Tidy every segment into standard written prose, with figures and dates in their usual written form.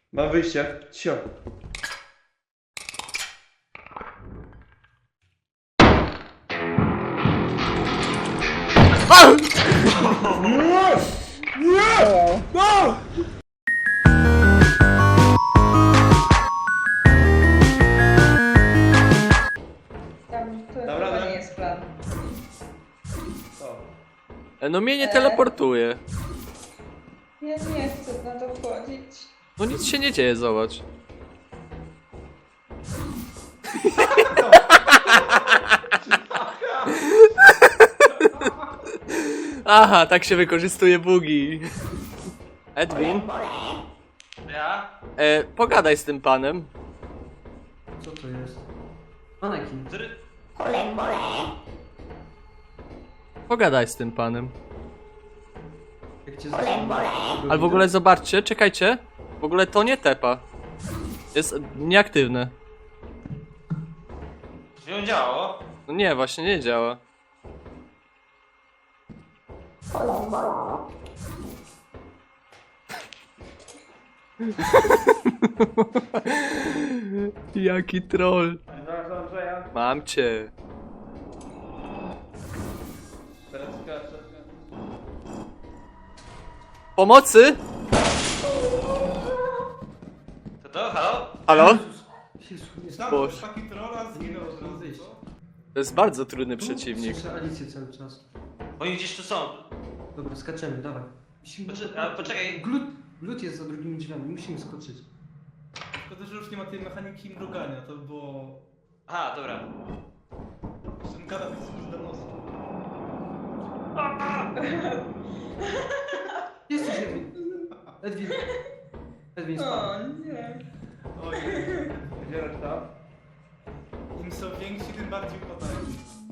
Mam wyjście. Cio. Tam to Dobra, chyba no. nie jest plan. No mnie nie teleportuje. Ja nie chcę na to wchodzić. No nic się nie dzieje, zobacz. Aha, tak się wykorzystuje bugi. Edwin, Ja? pogadaj z tym panem. Co to jest? Manekin. Pogadaj z tym panem. Jak cię zaczynam. Ale w ogóle zobaczcie, czekajcie. W ogóle to nie tepa. Jest nieaktywne. To się działo? No nie, właśnie nie działa. Jaki troll. Zaraz Andrzeja. Mam cię. Teraz skaczę. Pomocy? To? Halo? Halo? Jezu, jest Boże. Taki trolla zginął od razu. zejść. To jest bardzo trudny przeciwnik. Słyszę Alicję cały czas. Oni gdzieś tu są. Dobra, skaczemy, dawaj. Musimy... Poczekaj. Glut jest za drugimi drzwiami, musimy skoczyć. Szkoda, że już nie ma tej mechaniki mrugania, to było... Aha, dobra. Ten kanał jest już do nosa. Jesteś Edwin. Edwin. Edwin spadł. O nie. Oj, Gdzie reszta? im są więksi, tym bardziej upadają.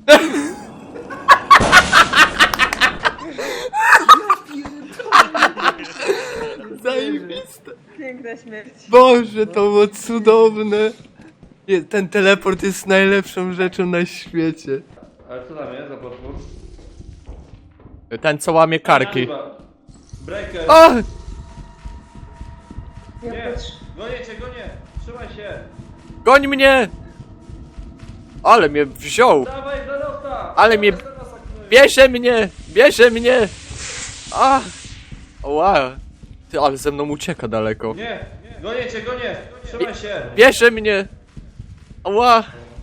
Zajebiste. Piękna śmierć. Boże, to było cudowne. Ten teleport jest najlepszą rzeczą na świecie. Ale co tam jest za potwór? Ten, co łamie karki. Chyba. Breaker. O! Ja Nie, patrzę. gonię cię, gonię. Trzymaj się. Goń mnie! Ale mnie wziął. Dawaj do nosa. Ale mnie... Dawaj do nosa, knuj. Bierze mnie! Bierze mnie! A! Wow. Ty, ale ze mną ucieka daleko. Nie, gonię cię, gonię. Trzymaj się. Bierze mnie! Ała!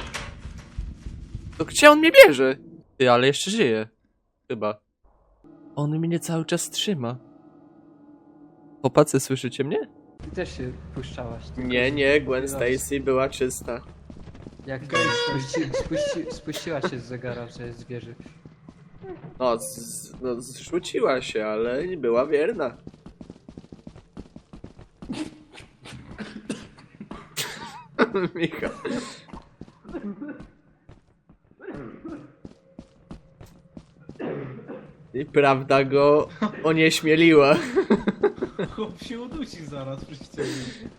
To gdzie on mnie bierze? Ty, ale jeszcze żyje. Chyba. On mnie cały czas trzyma. Chłopacy, słyszycie mnie? Ty też się puszczałaś. tylko Nie, z- nie, Gwen raz. Stacy była czysta. Jak spuściła się z zegara, że jest wieży. No, zrzuciła się, ale nie była wierna. Michał. I prawda go onieśmieliła. Chłop się udusi zaraz przy ścianie.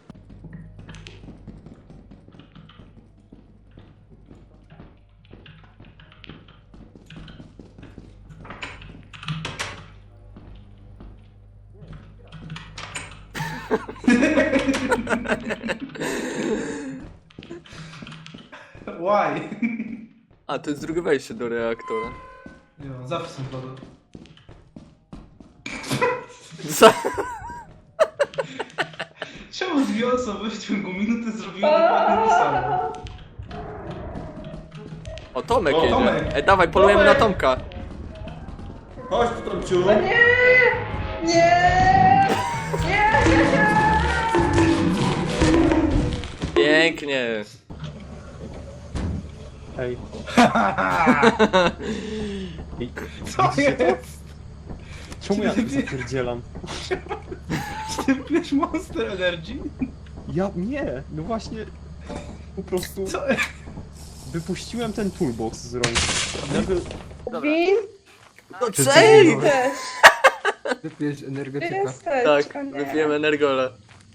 Why? A, to jest drugie wejście do reaktora. Jo, zawsze są wodą. Co? Czemu dwie osoby w ciągu minuty zrobiły dokładnie to samo? O, Tomek O, jedzie. Tomek. Dawaj, polujemy na Tomek. Tomka. Chodź tu, Tomciu. Nie! Nie! Nie! Pięknie. Ej. Co jest? Czemu ja tak zapierdzielam? Ty pijesz Monster Energy? Ja nie, no właśnie po prostu Co? wypuściłem ten toolbox z rąk. Nagle Win? No Ty cześć! też! Wypijesz Ty energetyka. jesteś! Tak, o nie. wypijemy Energola.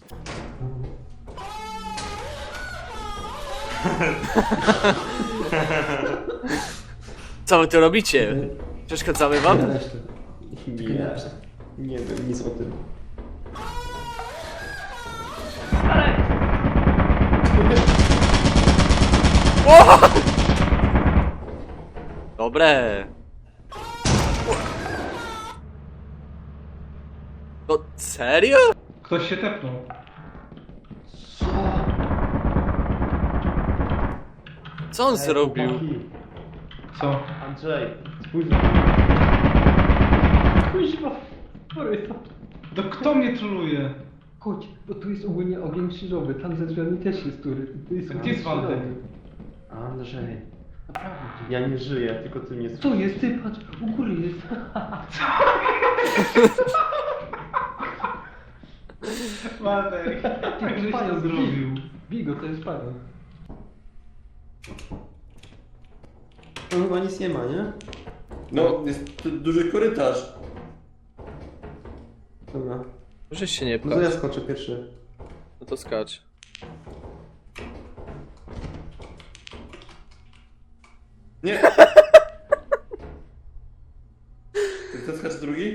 Co wy tu robicie? Przeszkadzamy wam? nie wiem nic o tym. O! Dobre. No serio? Ktoś się tepnął. Co on zrobił? Co? Andrzej, spójrz na Kuźwa, To kto mnie troluje? chodź, bo tu jest ogólnie ogień krzyżowy, tam za drzwiami też jest tury. Tu jest A gdzie ogień jest Waldek? krzyżowy. Andrzej, naprawdę. Ja nie żyję, tylko ty mnie słyszysz. Co jest? Ty patrz, u góry jest. Waldek, jak żeś to Pająk, zrobił? Bigo, to jest pająk. Tam chyba nic nie ma, nie? No, jest tu duży korytarz. Dobra. Możesz się nie No to ja pchać. skoczę pierwszy. No to skacz. Nie. Ty chcesz skacz drugi?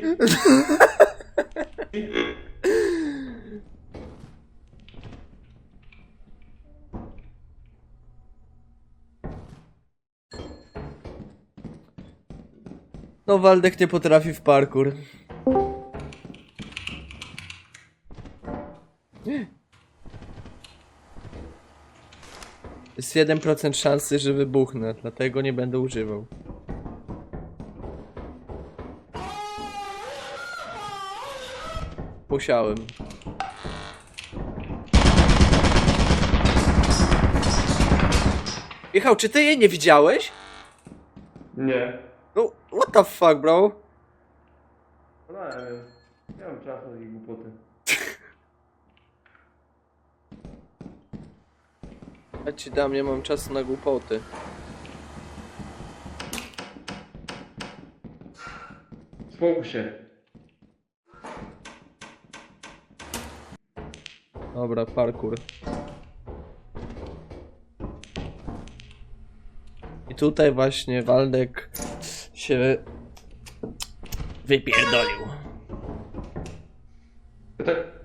No Waldek nie potrafi w parkour. Jest 1% szansy, że wybuchnę, dlatego nie będę używał. Musiałem. Michał, czy ty jej nie widziałeś? Nie. No, what the fuck, bro? No nie wiem. Nie mam czasu na takie głupoty. Ja ci dam, nie mam czasu na głupoty. Spokój się. Dobra, parkour. I tutaj właśnie Waldek się wypierdolił. Tak